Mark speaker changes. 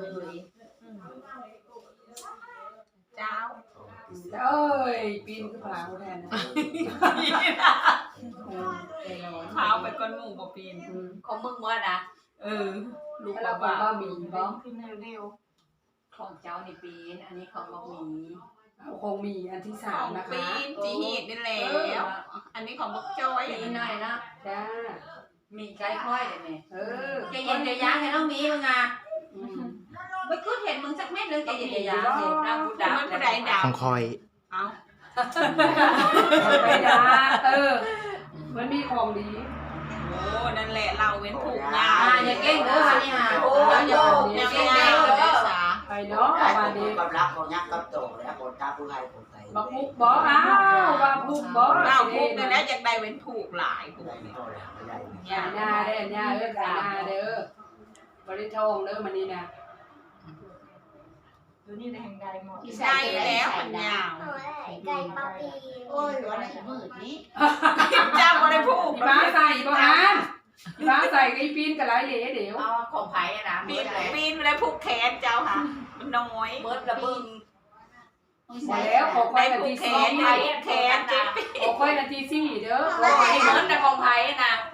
Speaker 1: เลย
Speaker 2: เจ้า
Speaker 3: เอ้ยปีนขึ้นผาแทนนะ
Speaker 2: เท้าไปก้นหมูบ่ปีน
Speaker 1: ของมึงว่านะ
Speaker 2: ลูก
Speaker 3: แล้ว
Speaker 2: บ่า
Speaker 3: ก็มีบ้
Speaker 2: ขึ้นเร็ว
Speaker 1: ของเจ้าในปีนอันนี้ของบักหมี
Speaker 3: คงมีอันที่
Speaker 2: ๆข
Speaker 3: สา
Speaker 2: อ
Speaker 3: ม
Speaker 2: ง
Speaker 3: นะคะ
Speaker 2: ปีนจีหีดนี่แล้วอันนี้ของบักจ้อย
Speaker 1: ปีนหน่อยนะ
Speaker 3: จ้า
Speaker 1: มีไก่ค่อยเลยแม่
Speaker 3: ใจ
Speaker 1: ใจเย็นใจยั้งให้น้องมีมึงอ่ะ
Speaker 3: อืม
Speaker 1: ไม่คือเห็นมึงสักเม็ดเลยใจเย็นใจยั้งเลยนั่งกูด่า
Speaker 2: มันผู้ใดด่า
Speaker 4: ของคอย
Speaker 2: เอา
Speaker 3: ไปนะมันมีของดี
Speaker 2: โอ้นั่นแหละเราเว้นถูกงา
Speaker 1: อย่าเก่งเด้อค่ะนี่ค่ะโอ้ยอย่าเก่งเด้อ
Speaker 3: ไปเนาะ
Speaker 5: ได้
Speaker 3: มา
Speaker 5: คน
Speaker 3: ดี
Speaker 5: กับรักคนยักษ์กับโตแล้วคนตาผู้ให้คนไทย
Speaker 3: บักมุกบ่อ้าวบักมุกบ่
Speaker 2: เราพูดนั่นแหละอยากได้เว้นถูกหลายพวก
Speaker 5: ได้
Speaker 2: นี้
Speaker 5: โตแล้วไม่ได้
Speaker 3: อย่าหน้าเด้ออย่าเด้ออย่าหน้าเด้อบริทองเด้อมันนี่นะ
Speaker 2: ใช่แล้วมันยาว
Speaker 6: ไก่ปลาปีโอ้ยวันนี้มืดนี้
Speaker 2: เจ้าบ่ได้พูด
Speaker 3: อีบ้าใส่บ่ฮะอีบ้าใส่ไอ้ปีนกับไรเหลเดี๋ยว
Speaker 1: เอาของไผ่นะ
Speaker 2: ปี
Speaker 1: เบิ
Speaker 2: น
Speaker 1: ดเลย
Speaker 2: ปีนไม่ได้ผูกแขนเจ้าค่ะมันน้อย
Speaker 1: เบิดระเบิด
Speaker 3: มาแล้วขอค่
Speaker 2: ได้
Speaker 3: อยนา
Speaker 2: ผู
Speaker 3: ที
Speaker 2: กแข
Speaker 3: สี่
Speaker 2: นได้ผูกแขนเจ็บ
Speaker 3: ขอค่อยนาทีสี่เด้อ
Speaker 1: โอ้ยเบิดแต่ของไผ่นะ